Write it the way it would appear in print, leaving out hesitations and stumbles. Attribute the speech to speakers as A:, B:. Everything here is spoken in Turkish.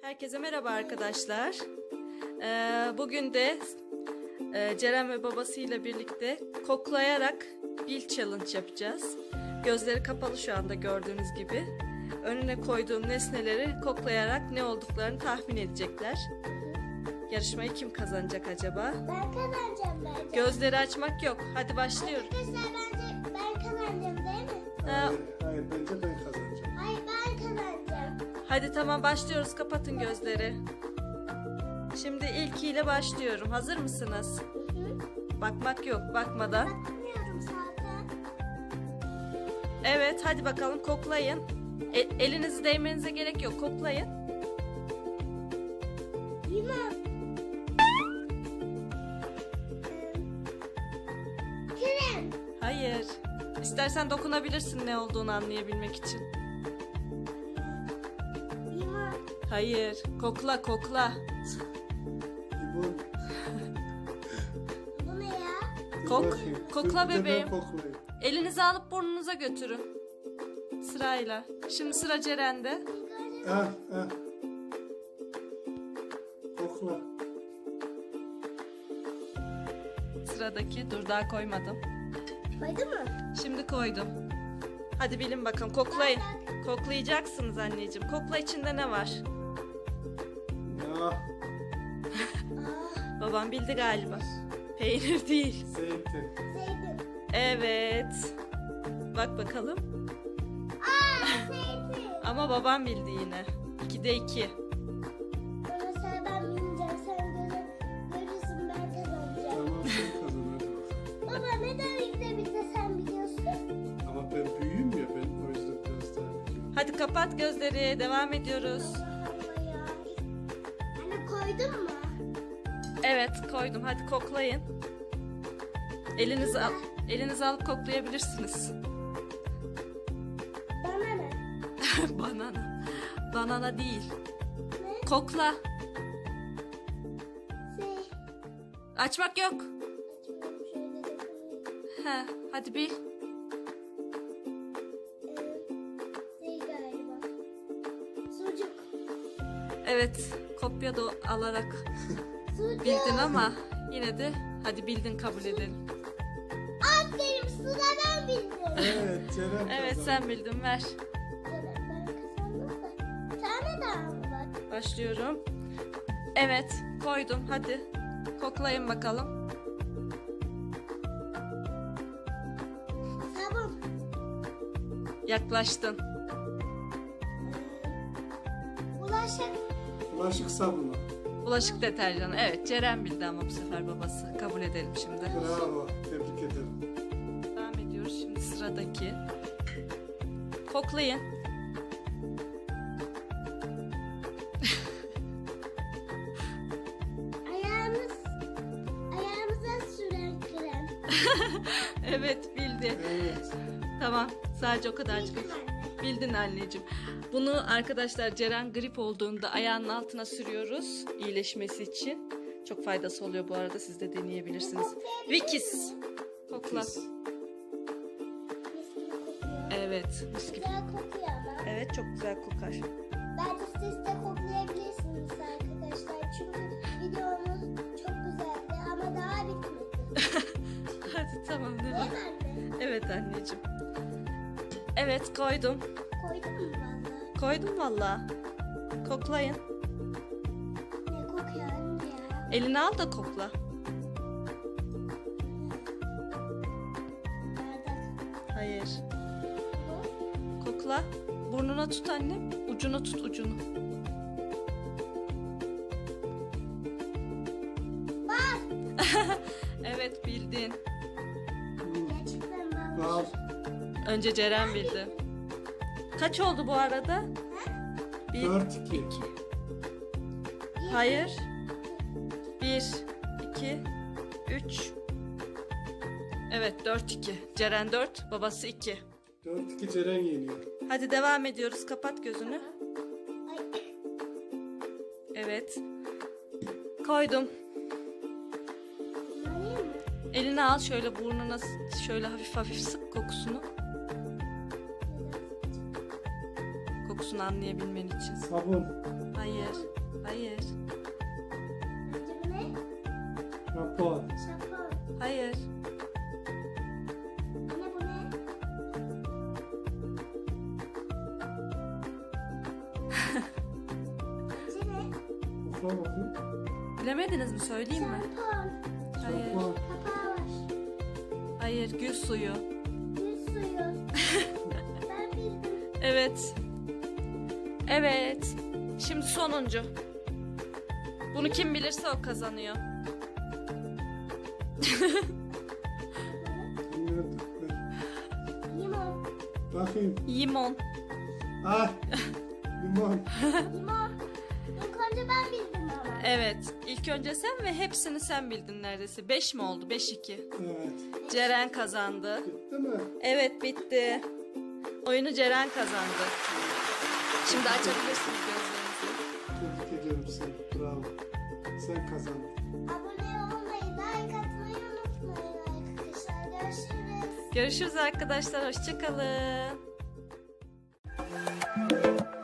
A: Herkese merhaba arkadaşlar. Bugün de Ceren ve babasıyla birlikte koklayarak bil challenge yapacağız. Gözleri kapalı şu anda gördüğünüz gibi. Önüne koyduğum nesneleri koklayarak ne olduklarını tahmin edecekler. Yarışmayı kim kazanacak acaba?
B: Ben kazanacağım bence.
A: Gözleri açmak yok. Hadi başlıyoruz.
B: Arkadaşlar bence ben kazanacağım değil mi?
C: Hayır, bence ben kazanacağım.
B: Hayır ben kazanacağım.
A: Hadi tamam başlıyoruz. Kapatın gözleri. Şimdi ilkiyle başlıyorum. Hazır mısınız?
B: Hı.
A: Bakmak yok. Bakmadan.
B: Bakmıyorum zaten.
A: Evet, hadi bakalım koklayın. Elinizi değmenize gerek yok. Koklayın.
B: Limon. Krem.
A: Hayır. İstersen dokunabilirsin ne olduğunu anlayabilmek için.
B: Limon.
A: Hayır. Kokla, kokla.
C: Limon.
B: Bu ne ya?
A: Kok.
C: Bakayım.
A: Kokla
C: Bir de ben
A: bebeğim.
C: koklayayım.
A: Elinizi alıp burnunuza götürün. Sırayla. Şimdi sıra Ceren'de.
C: Ah, ah. Kokla.
A: Sıradaki. Dur daha koymadım.
B: Koydun mu?
A: Şimdi koydum. Hadi bilin bakalım. Koklayın. Koklayacaksınız anneciğim. Kokla, içinde ne var?
C: Ya,
B: Aa,
A: Babam bildi galiba. Peynir değil.
C: zeytin.
B: zeytin.
A: Evet. Bak bakalım.
B: Zeytin.
A: Ama babam bildi yine. 2'de 2.
B: Bana sen ben bilmeyeceğim. Sen görürsün ben kazanacağım.
C: Tamam, sen kazan hadi bakalım.
B: Baba neden ilk de bir de sen biliyorsun?
C: Ama ben büyüğüm ya, ben o yüzden biraz daha biliyorum.
A: Hadi kapat gözleri. Devam ediyoruz.
B: Allah Allah ya. Anne koydun mu?
A: Evet, koydum. Hadi koklayın. Elinizi alıp koklayabilirsiniz.
B: Bana ne?
A: Banana. Banana değil.
B: Ne?
A: Kokla.
B: Şey.
A: Açmak yok.
B: Açıyorum şöyle dokunayım.
A: He, hadi bil.
B: Şey galiba. Sucuk.
A: Evet, kopya da alarak
B: Sucuk.
A: bildin ama yine de hadi bildin kabul edelim.
B: Aferin sıradan bildim.
C: Evet, Ceren
A: Evet,
C: kazandı.
A: sen bildin, ver.
B: Ben kazandım da. Bir tane daha mı var?
A: Başlıyorum. Evet, koydum. Hadi koklayın bakalım.
B: Sabun.
A: Yaklaştın.
B: Bulaşık.
C: Bulaşık sabunu.
A: Bulaşık deterjanı. Evet, Ceren bildi ama bu sefer babası. Kabul edelim şimdi.
C: Bravo, tebrik ederim.
A: Devam ediyoruz şimdi sıradaki. Koklayın.
B: Ayağımıza süren krem.
A: Evet, bildi.
C: Evet.
A: Tamam, sadece o kadarcık.
B: Bildim anne.
A: Bildin anneciğim. Bunu arkadaşlar Ceren grip olduğunda ayağının altına sürüyoruz iyileşmesi için. Çok faydası oluyor bu arada, siz de deneyebilirsiniz. Vikis. Kokla.
C: Pis.
B: Mis gibi kokuyor.
A: Evet, mis gibi.
B: Güzel kokuyor ama.
A: Evet, çok güzel kokar.
B: Bence siz de koklayabilirsiniz arkadaşlar. Çünkü videomuz çok güzeldi ama daha bitmedi.
A: Hadi tamam,
B: Değil
A: devam.
B: mi anne?
A: Evet anneciğim. Evet, koydum.
B: Koydun mu valla?
A: Koydum valla. Koklayın.
B: Ne kokuyor anne ya?
A: Elini al da kokla.
B: Bardak.
A: Hayır.
B: Bu.
A: Kokla. Burnuna tut annem. Ucunu tut, ucunu.
B: Bak.
A: Evet, bildin.
B: Gerçekten ben
C: Al.
A: Önce Ceren bildi. Kaç oldu bu arada? 1,
C: 4-2.
A: 2. Hayır. 1, 2, 3. Evet, 4-2. Ceren 4, babası 2.
C: 4-2 Ceren yeniyor.
A: Hadi devam ediyoruz. Kapat gözünü.
B: Ay.
A: Evet. Koydum.
B: Alayım mı?
A: Elini al, şöyle burnuna şöyle hafif hafif sık kokusunu. Kokusunu anlayabilmen için.
C: Sabun.
A: Hayır. Hayır.
B: Bu ne?
C: Japon.
B: Japon.
A: Hayır.
B: Anne bu ne? Bu ne?
C: Okula bakayım.
A: Bilemediniz mi? Söyleyeyim mi?
B: Şampuan.
A: Hayır.
C: Japon.
B: Kapağı var.
A: Hayır. Gül suyu.
B: Gül suyu. Ben bildim.
A: Evet. Evet. Şimdi sonuncu. Bunu kim bilirse o kazanıyor.
C: Bilmiyorum.
B: Limon.
C: Bakayım.
A: Limon.
C: Ah. Limon.
B: Limon. İlk önce ben bildim ama.
A: Evet. İlk önce sen ve hepsini sen bildin neredeyse. 5 mi oldu? 5-2.
C: Evet.
A: Ceren kazandı.
C: Bitti mi?
A: Evet, bitti. Oyunu Ceren kazandı. Şimdi açabilirsiniz gözlerinizi.
C: Tebrik ediyorum seni. Bravo. Sen kazandın.
B: Abone olmayı, like atmayı unutmayın arkadaşlar. Görüşürüz.
A: Görüşürüz arkadaşlar. Hoşça kalın.